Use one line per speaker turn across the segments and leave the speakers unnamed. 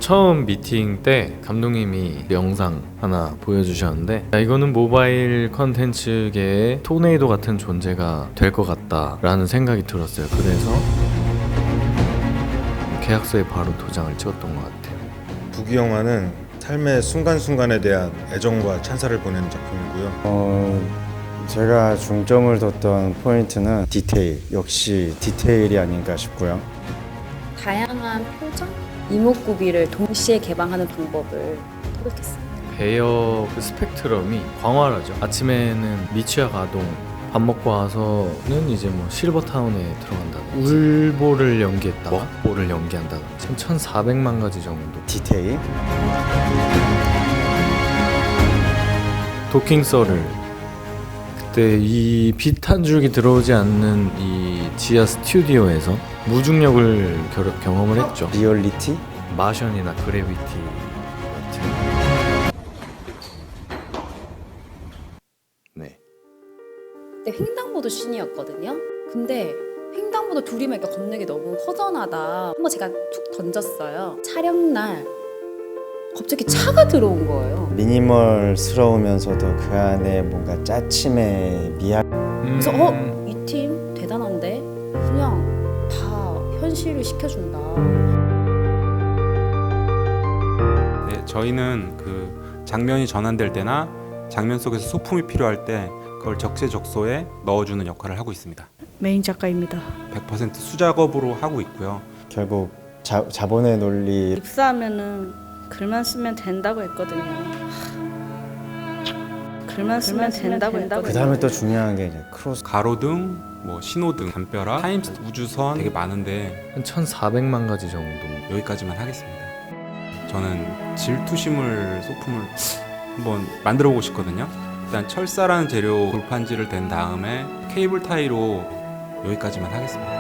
처음 미팅 때 감독님이 영상 하나 보여주셨는데 이거는 모바일 컨텐츠계의 토네이도 같은 존재가 될 것 같다라는 생각이 들었어요. 그래서 계약서에 바로 도장을 찍었던 것 같아요.
부기 영화는 삶의 순간순간에 대한 애정과 찬사를 보내는 작품이고요.
제가 중점을 뒀던 포인트는 디테일, 역시 디테일이 아닌가 싶고요.
다양한 표정, 이목구비를 동시에 개방하는 방법을 터득했습니다.
배역 그 스펙트럼이 광활하죠. 아침에는 미취학 아동, 밥 먹고 와서는 이제 뭐 실버타운에 들어간다든지 울보를 연기했다가 먹보를 연기한다든지 1,400만 가지 정도.
디테일?
도킹 썰을 그때 이 빛 한 줄기 들어오지 않는 이 지하 스튜디오에서 무중력을 경험을 했죠.
리얼리티?
마션이나 그래비티 같은. 네.
그때 횡단보도 씬이었거든요. 근데 횡단보도 둘이면 이렇게 걷는 게 너무 허전하다. 한번 제가 툭 던졌어요. 촬영날 갑자기 차가 들어온 거예요.
미니멀스러우면서도 그 안에 뭔가 짜침의 미학.
그래서 이 팀 대단한데 그냥 다 현실을 시켜준다.
네, 저희는 그 장면이 전환될 때나 장면 속에서 소품이 필요할 때 그걸 적재적소에 넣어주는 역할을 하고 있습니다.
메인 작가입니다.
100% 수작업으로 하고 있고요.
결국 자본의 논리.
입사하면은 글만 쓰면 된다고 했거든요. 글만 쓰면 된다고 했거든요.
그 다음에 또 중요한 게 이제 크로스.
가로등, 뭐 신호등, 담벼락, 타임스, 우주선 되게 많은데
한 1,400만 가지 정도.
여기까지만 하겠습니다. 저는 질투심을 소품을 한번 만들어 보고 싶거든요. 일단 철사라는 재료 골판지를 댄 다음에 케이블 타이로 여기까지만 하겠습니다.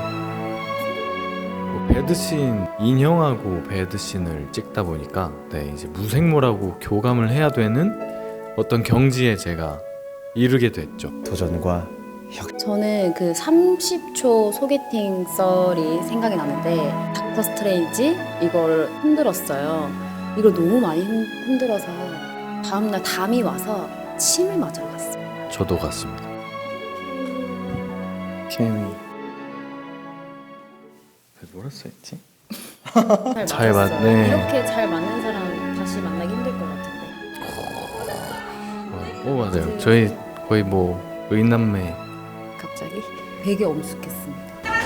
배드씬, 인형하고 배드씬을 찍다 보니까 이제 무생물하고 교감을 해야 되는 어떤 경지에 제가 이르게 됐죠.
도전과
저는 그 30초 소개팅 썰이 생각이 나는데 닥터 스트레인지 이걸 흔들었어요. 이걸 너무 많이 흔들어서 다음날 담이 와서 침을 맞으러 갔어요.
저도 같습니다.
케미.
뭐라 써있지?
잘
맞았어요.
맞네. 이렇게 잘 맞는 사람 다시 만나기 힘들 것 같은데.
맞아요. 저희 거의 뭐 의남매.
갑자기 되게 엄숙했습니다.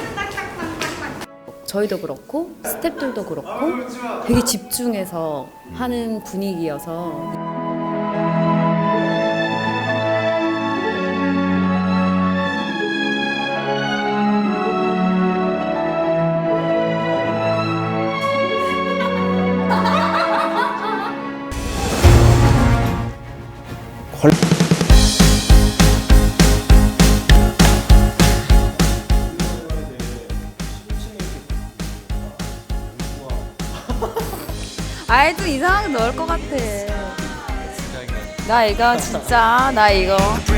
저희도 그렇고 스태프들도 그렇고 되게 집중해서 하는 분위기여서
아이 또 이상하게 넣을 것 같아. 나 이거 진짜 나 이거